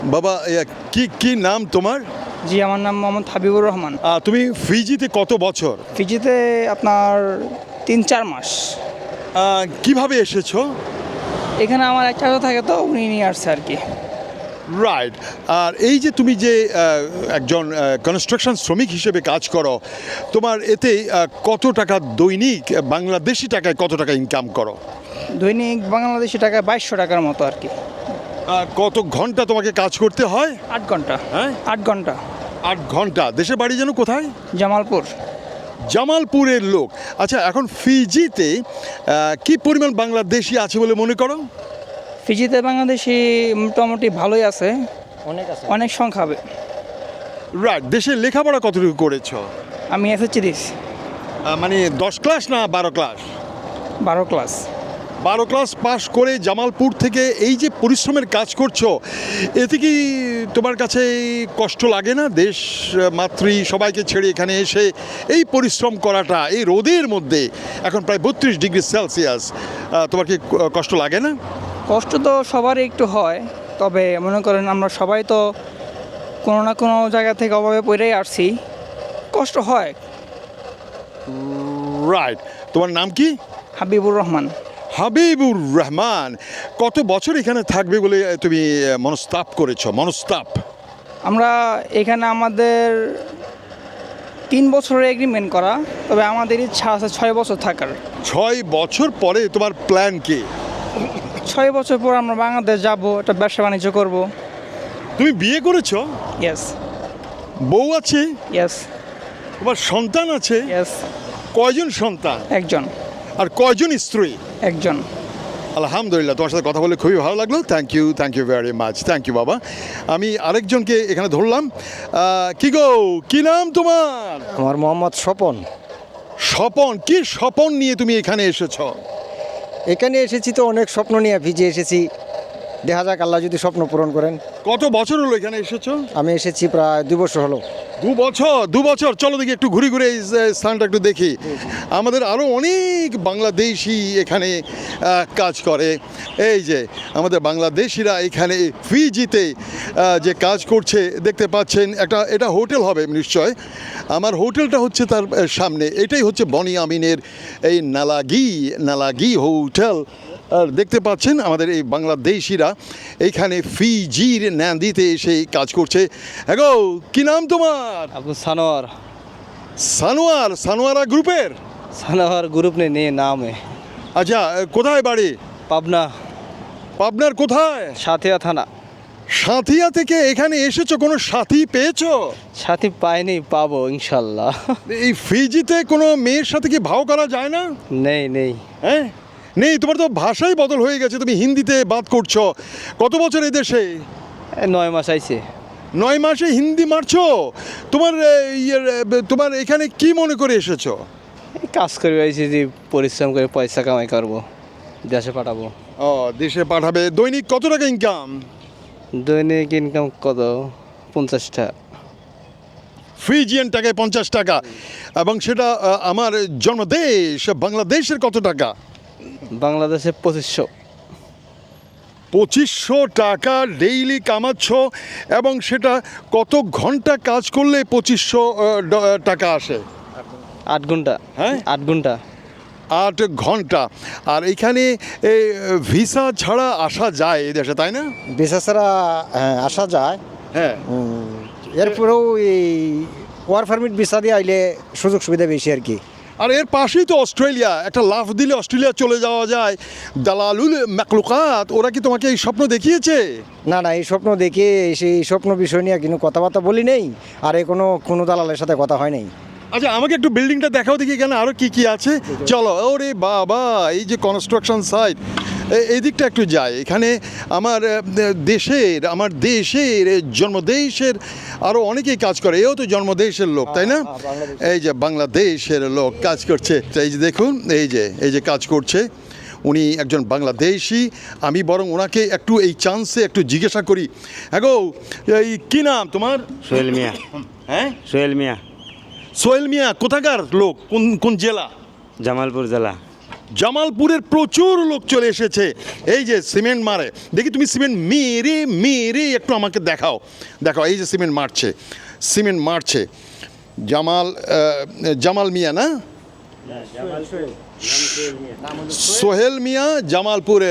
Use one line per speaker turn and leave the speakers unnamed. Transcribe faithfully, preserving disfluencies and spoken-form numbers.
বাবা এ, কি কি নাম তোমার?
জি, আমার নাম মোহাম্মদ হাবিবুর রহমান।
আহ, তুমি ফিজিতে কত বছর?
ফিজিতে আপনার তিন চার মাস।
আহ, কিভাবে এসেছো?
এখানে আমার এক চাচা থাকে, তো উনি নিয়ে আসছে আর কি।
রাইট। আর এই যে তুমি যে আহ, একজন কনস্ট্রাকশন শ্রমিক হিসেবে কাজ করো, তোমার এতে আহ, কত টাকা দৈনিক বাংলাদেশি টাকায় কত টাকা ইনকাম করো?
দৈনিক বাংলাদেশি টাকায় বাইশশো টাকার মতো আর কি।
আহ, কত ঘন্টা তোমাকে কাজ করতে হয়?
আট ঘন্টা।
হ্যাঁ,
আট ঘন্টা।
আট ঘন্টা। দেশে বাড়ি যেন কোথায়?
জামালপুর।
জামালপুরের লোক। আচ্ছা, এখন ফিজিতে আহ, কি পরিমাণ বাংলাদেশি আছে বলে মনে করো?
ফিজিতে বাংলাদেশি মোটামুটি ভালোই আছে,
অনেক আছে।
অনেক সংখ্যা হবে।
রাইট। দেশে লেখাপড়া কতটুকু করেছো?
আমি এসএসসি দিস
আহ, মানে দশ ক্লাস না বারো ক্লাস?
বারো ক্লাস।
বারো ক্লাস পাশ করে জামালপুর থেকে এই যে পরিশ্রমের কাজ করছো, এতে কি তোমার কাছে কষ্ট লাগে না? দেশ মাতৃ সবাইকে ছেড়ে এখানে এসে এই পরিশ্রম করাটা এই রোদের মধ্যে, এখন প্রায় বত্রিশ ডিগ্রি সেলসিয়াস, আহ, তোমার কি ক- কষ্ট লাগে না?
কষ্ট তো সবারই একটু হয়, তবে মনে করেন আমরা সবাই তো কোনো না কোনো জায়গা থেকে অভাবে পড়েই আসছি, কষ্ট হয়।
রাইট। তোমার নাম কি?
হাবিবুর রহমান।
হাবিবুর রহমান। কত বছর এখানে থাকবে বলে তুমি আহ, মনস্তাপ করেছো? মনস্তাপ
আমরা এখানে আমাদের তিন বছরের এগ্রিমেন্ট করা, তবে আমাদের ইচ্ছা আছে ছয় বছর থাকার।
ছয় বছর পরে তোমার প্ল্যান কি?
ছয় বছর পর আমরা বাংলাদেশ যাব, একটা ব্যবসা বাণিজ্য করব।
তুমি বিয়ে করেছো?
ইয়েস।
বউ আছে?
ইয়েস।
তোমার সন্তান আছে?
ইয়েস।
কয়জন সন্তান
একজন।
আর কয়জন স্ত্রী?
একজন।
আলহামদুলিল্লাহ, তোমার সাথে কথা বলে খুবই ভালো লাগলো। Thank you, thank you very much. Thank you বাবা। আমি আরেকজনকে এখানে ধরলাম। আহ, কি গো, কি নাম তোমার?
আমার মোহাম্মদ স্বপন।
স্বপন। কি স্বপন নিয়ে তুমি এখানে এসেছো?
এখানে এসেছি তো অনেক স্বপ্ন নিয়ে ভিজে এসেছি, দেখা যাক আল্লাহ যদি স্বপ্ন পূরণ করেন।
কত বছর হলো এখানে এসেছো?
আমি এসেছি প্রায় দুই বছর হলো।
দু বছর। দু বছর চলো দেখি একটু ঘুরে ঘুরে এই যে স্থানটা একটু দেখি। আমাদের আরও অনেক বাংলাদেশি এখানে আহ, কাজ করে। এই যে আমাদের বাংলাদেশিরা এখানে ফিজিতে আহ, যে কাজ করছে দেখতে পাচ্ছেন। একটা এটা হোটেল হবে নিশ্চয়। আমার হোটেলটা হচ্ছে তার আহ, সামনে। এটাই হচ্ছে বনি আমিনের এই নালাগি নালাগি হোটেল। আর দেখতে পাচ্ছেন আমাদের এই বাংলাদেশিরা এইখানে ফিজির ন্যান্দিতে এসে কাজ করছে। হ্যাঁ, কি নাম তোমার?
आपको सानोर
সানোয়ার। সানোয়ারা গ্রুপের?
सानोर ग्रुप ने नहीं नाम है।
আচ্ছা, কোথায় বাড়ি?
पाबना
পাবনার কোথায়?
साथिया थाना।
সাথিয়া থেকে এখানে এসেছো, কোনো সাথী পেয়েছো?
साथी पाए नहीं पाबो इंशाल्लाह।
এই ফিজিতে কোনো মেয়ের সাথে কি ভাও করা যায় না?
नहीं नहीं
হ্যাঁ, নেই। তোমার তো ভাষাই বদল হয়ে গেছে, তুমি হিন্দিতে বাত করছো। কত বছর এই দেশে?
ए, नौ मास आइसे
নয় মাসে হিন্দি মারছো? তোমার এ, ইয়ের, এ, তোমার এখানে কি মনে করে এসেছো?
এই কাজ করে আইছি যে পরিশ্রম করে পয়সা কামাই করব, দেশে পাঠাবো।
ও, দেশে পাঠাবে। দৈনিক কত টাকা ইনকাম?
দৈনিক ইনকাম কত? পঞ্চাশটা।
ফিজিয়ান টাকায় পঞ্চাশ টাকা। এবং সেটা আহ, আমার জন্মদেশ বাংলাদেশের কত টাকা?
বাংলাদেশে পঁচিশশো।
পঁচিশশো টাকা ডেইলি কামাচ্ছ। এবং সেটা কত ঘন্টা কাজ করলে পঁচিশশো আহ, ড- আহ, টাকা আসে?
আট ঘন্টা।
হ্যাঁ?
আট ঘন্টা।
আট ঘন্টা। আর এখানে এই, ভিসা ছাড়া আসা যায় এই দেশে, তাই না?
ভিসা ছাড়া হ্যাঁ, আসা যায়।
হ্যাঁ।
উম, এরপরেও এই ওয়ার পারমিট ভিসা দিয়ে আইলে সুযোগ সুবিধা বেশি আর কি।
আর এর পাশেই তো অস্ট্রেলিয়া। একটা লাফ দিলে অস্ট্রেলিয়া চলে যাওয়া যায়। দালালুল মাকলুকাত ওরা কি তোমাকে এই স্বপ্ন দেখিয়েছে?
না না, এই স্বপ্ন দেখে সেই স্বপ্ন বিষয় নিয়ে কিন্তু কথাবার্তা বলি নেই, আর এ কোনো কোনো দালালের সাথে কথা হয় নাই।
আচ্ছা, আমাকে একটু বিল্ডিংটা দেখাও দেখি এখানে আরও কি কি আছে। চলো। ওরে বাবা, এই যে কনস্ট্রাকশন সাইট, এই দিকটা একটু যাই। এখানে আমার আহ, দেশের আমার দেশের জন্মদেশের আরও অনেকেই কাজ করে। এও তো জন্মদেশের লোক, তাই না? এই যে বাংলাদেশের লোক কাজ করছে। এই যে দেখুন, এই যে এই যে কাজ করছে, উনি একজন বাংলাদেশি। আমি বরং ওনাকে একটু এই চান্সে একটু জিজ্ঞাসা করি। হ্যাঁ গো, এই কী নাম তোমার?
সোহেল মিয়া।
হ্যাঁ,
সোহেল মিয়া,
সোহেল মিয়া। কোথাকার লোক? কোন কোন জেলা?
জামালপুর জেলা।
জামালপুরের প্রচুর লোক চলে এসেছে এই যে সিমেন্ট মারে দেখি তুমি সিমেন্ট মেরে মেরে একটু আমাকে দেখাও দেখাও এই যে সিমেন্ট মারছে সিমেন্ট মারছে জামাল আহ, জামাল মিয়া না সোহেল মিয়া জামালপুরের